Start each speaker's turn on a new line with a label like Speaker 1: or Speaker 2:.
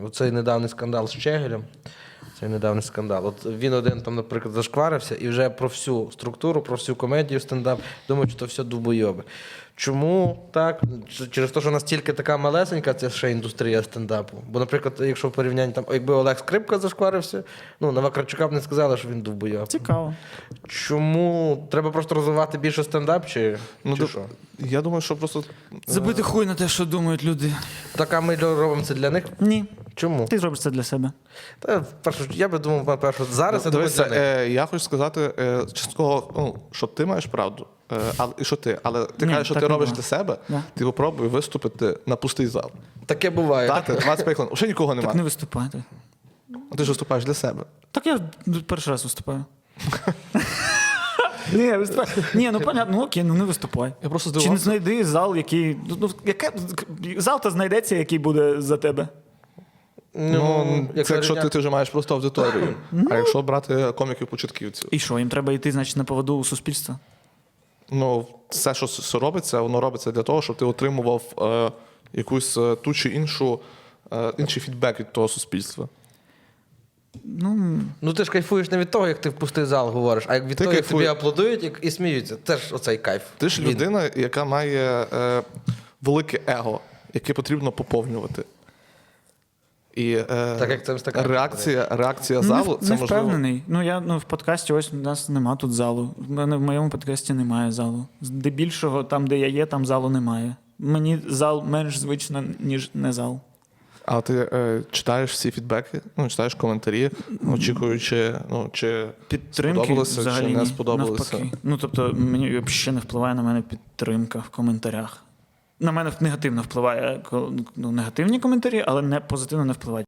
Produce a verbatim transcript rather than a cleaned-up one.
Speaker 1: цей недавній скандал з Чегелем. Цей недавній скандал. От він один там, наприклад, зашкварився і вже про всю структуру, про всю комедію стендап думають, що то все дубойоби. Чому так? Через те, що настільки така малесенька ця ще індустрія стендапу. Бо, наприклад, якщо в порівнянні, там, якби Олег Скрипка зашкварився, ну, на Вакарчука б не сказали, що він дубойоб.
Speaker 2: Цікаво.
Speaker 1: Чому? Треба просто розвивати більше стендап, чи,
Speaker 3: Ну,
Speaker 1: чи
Speaker 3: до-
Speaker 1: що?
Speaker 3: Я думаю, що просто
Speaker 2: Забити хуй на те, що думають люди.
Speaker 1: Так, а ми робимо це для них?
Speaker 2: Ні.
Speaker 1: Чому?
Speaker 2: Ти зробиш це для себе.
Speaker 1: Та, перше, я би думав, перше, зараз я думаю,
Speaker 3: Дивися,
Speaker 1: для них.
Speaker 3: е, я хочу сказати е, частково, ну, що ти маєш правду, е, але і що ти, але ти
Speaker 2: Ні,
Speaker 3: кажеш, що
Speaker 2: так
Speaker 3: ти
Speaker 2: не
Speaker 3: робиш
Speaker 2: було.
Speaker 3: для себе,
Speaker 2: Да.
Speaker 3: ти попробуй виступити на пустий зал.
Speaker 1: Таке буває.
Speaker 3: Дати двадцять п'ять хвилин, вже нікого
Speaker 2: Так не
Speaker 3: немає.
Speaker 2: виступайте.
Speaker 3: Ти ж виступаєш для себе.
Speaker 2: Так я перший раз виступаю. Ні, виступаю. Ні, ну понятно, ну окей, ну не виступай.
Speaker 3: Я просто
Speaker 2: Чи не
Speaker 3: здивувався.
Speaker 2: знайди зал, який. Ну, ну, яке... Зал то знайдеться, який буде за тебе.
Speaker 3: Ну, це якщо ти,
Speaker 1: рівня-
Speaker 3: ти вже маєш просто аудиторію. А якщо брати коміків-початківців,
Speaker 2: І що, їм треба йти, значить, на поводу у суспільства?
Speaker 3: ну, все, що с- робиться, воно робиться для того, щоб ти отримував е, якусь е, ту чи іншу, е, інший фідбек від того суспільства.
Speaker 2: Ну,
Speaker 1: Ну ти ж кайфуєш не від того, як ти в пустий зал говориш, а як від
Speaker 3: Ти
Speaker 1: того, як тобі
Speaker 3: кайфуєш.
Speaker 1: аплодують і, і сміються. Теж оцей кайф.
Speaker 3: Ти ж
Speaker 1: Він.
Speaker 3: людина, яка має е, велике его, яке потрібно поповнювати. І е,
Speaker 1: Так, як це ось така-
Speaker 3: реакція, реакція
Speaker 2: не,
Speaker 3: залу
Speaker 2: в-
Speaker 3: це
Speaker 2: не
Speaker 3: можливо.
Speaker 2: впевнений. Ну, я ну, в подкасті ось у нас нема тут залу. В мене в моєму подкасті немає залу. Здебільшого, там, де я є, там залу немає. Мені зал менш звично, ніж не зал.
Speaker 3: А ти е, читаєш всі фідбеки, ну, читаєш коментарі, очікуючи, ну, чи
Speaker 2: Підтримки
Speaker 3: сподобалося,
Speaker 2: взагалі
Speaker 3: чи не
Speaker 2: ні,
Speaker 3: сподобалося.
Speaker 2: навпаки. Ну, тобто, мені взагалі не впливає на мене підтримка в коментарях. На мене негативно впливає ну, негативні коментарі, але не позитивно не впливає.